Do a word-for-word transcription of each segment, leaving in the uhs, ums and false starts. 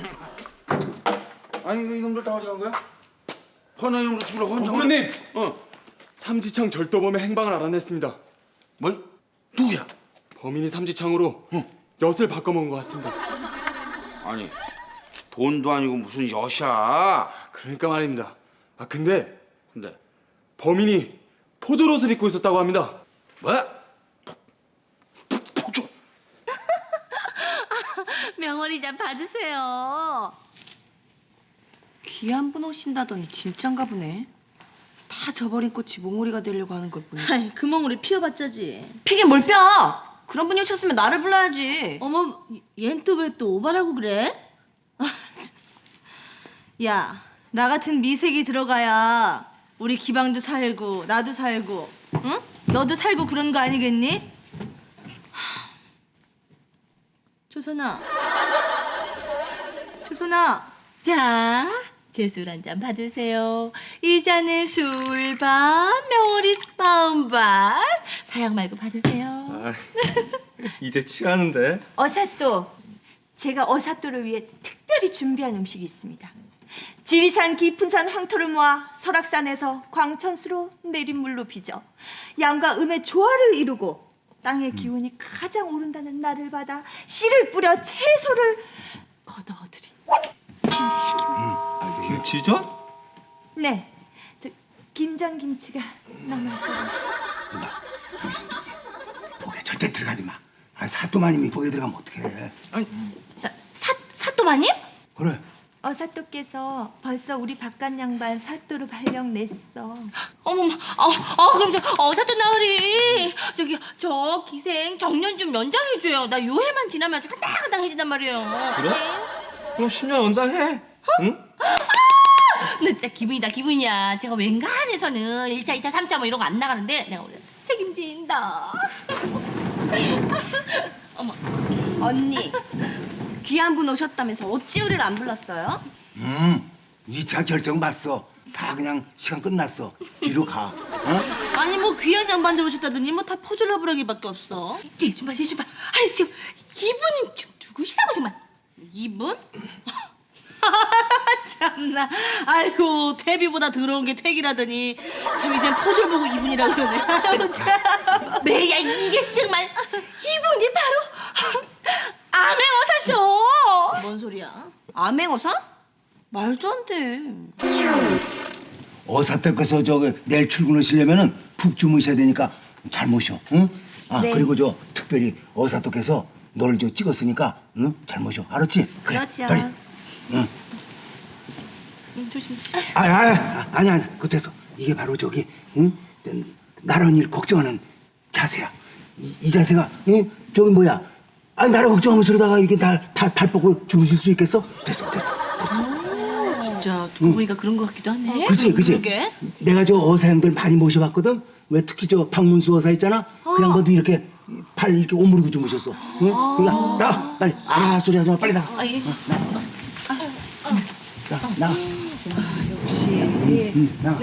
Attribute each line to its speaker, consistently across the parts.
Speaker 1: 아니 그 이놈들 다 어디 간 거야? 헌화용으로 죽으라고 헌정.
Speaker 2: 부모님!
Speaker 1: 어.
Speaker 2: 삼지창 절도범의 행방을 알아냈습니다.
Speaker 1: 뭐? 누구야?
Speaker 2: 범인이 삼지창으로
Speaker 1: 응.
Speaker 2: 엿을 바꿔먹은 것 같습니다.
Speaker 1: 아니 돈도 아니고 무슨 엿이야?
Speaker 2: 그러니까 말입니다. 아 근데
Speaker 1: 근데
Speaker 2: 범인이 포졸옷을 입고 있었다고 합니다.
Speaker 1: 뭐? 포, 포, 포조?
Speaker 3: 명월이 좀 받으세요.
Speaker 4: 귀한 분 오신다더니 진짠가 보네. 다 저버린 꽃이 몽우리가 되려고 하는 걸 보니.
Speaker 5: 아이, 그 멍울이 피어봤자지.
Speaker 4: 피긴 뭘 뼈! 그런 분이 오셨으면 나를 불러야지.
Speaker 5: 어머, 얜 또 왜 또 오바라고 그래? 아, 참. 야, 나 같은 미색이 들어가야 우리 기방도 살고 나도 살고, 응? 너도 살고 그런 거 아니겠니? 하. 조선아, 조선아.
Speaker 3: 자, 제 술 한 잔 받으세요. 이 잔은 술반, 명월이 스파운반. 사양 말고 받으세요.
Speaker 2: 아, 이제 취하는데.
Speaker 5: 어사또, 제가 어사또를 위해 특별히 준비한 음식이 있습니다. 지리산 깊은 산 황토를 모아 설악산에서 광천수로 내린 물로 빚어 양과 음의 조화를 이루고 땅의 기운이 가장 오른다는 날을 받아 씨를 뿌려 채소를 거둬들인
Speaker 6: 김치전?
Speaker 5: 네, 저 김장김치가 남았어요.
Speaker 6: 독에 절대 들어가지 마. 아, 사또마님이 독에 들어가면 어떡해.
Speaker 3: 사, 사, 사또마님?
Speaker 6: 그래.
Speaker 5: 어사또께서 벌써 우리 바깥 양반 사또로 발령 냈어.
Speaker 3: 어머머, 어, 어, 그럼 저, 어, 사또 나으리. 저기, 저 기생 정년 좀 연장해줘요. 나 요해만 지나면 아주 끝당끝당해진단 말이에요.
Speaker 6: 그래?
Speaker 3: 네?
Speaker 6: 그럼 십 년 연장해. 응?
Speaker 3: 나 진짜 기분이다, 기분이야. 제가 웬간해서는 일 차, 이 차, 삼 차 뭐 이런 거 안 나가는데 내가 오늘 책임진다. 어머.
Speaker 4: 언니, 귀한 분 오셨다면서 어찌 우리를 안 불렀어요?
Speaker 6: 음, 이 차 결정 봤어. 다 그냥 시간 끝났어. 뒤로 가. 어?
Speaker 5: 아니 뭐 귀한 양반들 오셨다더니 뭐 다 포졸러부라기밖에 없어.
Speaker 3: 얘 좀 봐, 얘 좀 봐. 아니 지금 이분이 좀 누구시라고 정말.
Speaker 5: 이분? 참나. 아이고 퇴비보다 더러운 게 퇴기라더니 참 이젠 포졸 보고 이분이라 그러네. 아유 참.
Speaker 3: 매야 이게 정말 이분이 바로 암행어사셔.
Speaker 5: 뭔 소리야?
Speaker 4: 암행어사? 말도 안 돼.
Speaker 6: 어사댁께서 저기 내일 출근하시려면은 푹 주무셔야 되니까 잘 모셔. 응? 아,
Speaker 4: 네.
Speaker 6: 그리고 저 특별히 어사댁께서 너를 저 찍었으니까 응? 잘 모셔. 알았지? 그래.
Speaker 4: 그렇죠.
Speaker 6: 빨리. 응.
Speaker 3: 응, 조심.
Speaker 6: 아, 아, 아니 아니. 그 됐어. 이게 바로 저기 응? 나란 일 걱정하는 자세야. 이, 이 자세가 응? 저기 뭐야? 아니 나라 걱정하면서 그러다가 이렇게 날팔팔 뻗고 주무실 수 있겠어? 됐어, 됐어, 됐어.
Speaker 3: 진짜 듣고 보니까 그런 것 같기도 하네.
Speaker 6: 그렇지, 그렇지.
Speaker 5: 그러게.
Speaker 6: 내가 저 어사 형들 많이 모셔봤거든. 왜 특히 저 박문수 어사 있잖아. 그 양반도 이렇게 팔 이렇게 오므리고 주무셨어. 응? 그러니까 나가 빨리. 아 소리 하지 마. 빨리 나가.
Speaker 3: 아, 예.
Speaker 6: 나 나가.
Speaker 5: 역시.
Speaker 6: 응, 나가.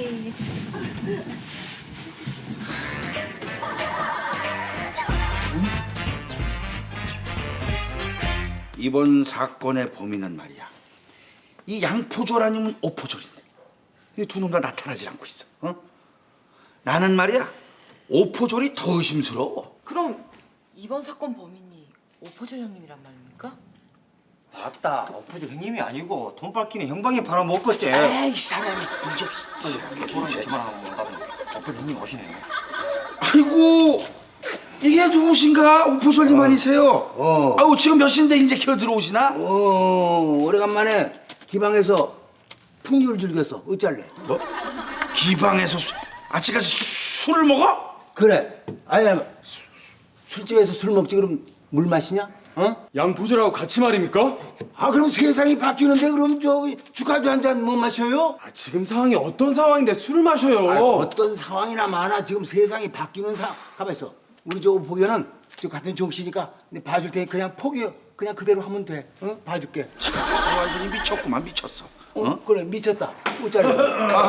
Speaker 1: 이번 사건의 범인은 말이야. 이 양포졸 아니면 오포졸인데 이 두 놈 다 나타나질 않고 있어. 어? 나는 말이야 오포졸이 더 의심스러워.
Speaker 7: 그럼 이번 사건 범인이 오포졸 형님이란 말입니까?
Speaker 8: 맞다. 엎어질 형님이 아니고 돈 밟기는 형방이 팔아먹었지.
Speaker 1: 에이 사람이 문제
Speaker 8: 돈을 그만하고 뭔가 엎어질 형님 오시네.
Speaker 1: 아이고 이게 누구신가? 오포졸님 아니세요?
Speaker 6: 어.
Speaker 1: 아우 지금 몇 시인데 이제 기어 들어오시나?
Speaker 6: 어 오래간만에 기방에서 풍류를 즐겼어. 어쩔래?
Speaker 1: 뭐? 기방에서 수, 아직까지 수, 술을 먹어?
Speaker 6: 그래. 아야 술집에서 술 먹지 그럼 물 마시냐? 어?
Speaker 2: 양포졸하고 같이 말입니까?
Speaker 6: 아 그럼 세상이 바뀌는데 그럼 저기 축하도 한 잔 못 마셔요?
Speaker 2: 아, 지금 상황이 어떤 상황인데 술을 마셔요?
Speaker 6: 아, 어떤 상황이나 많아. 지금 세상이 바뀌는 상황. 가만 있어. 우리 저 보기에는 저 같은 종씨니까 내 봐줄 테니 그냥 포기 그냥 그대로 하면 돼. 어? 봐줄게.
Speaker 1: 완전히 미쳤구만 미쳤어.
Speaker 6: 어? 그래 미쳤다. 어쩔래?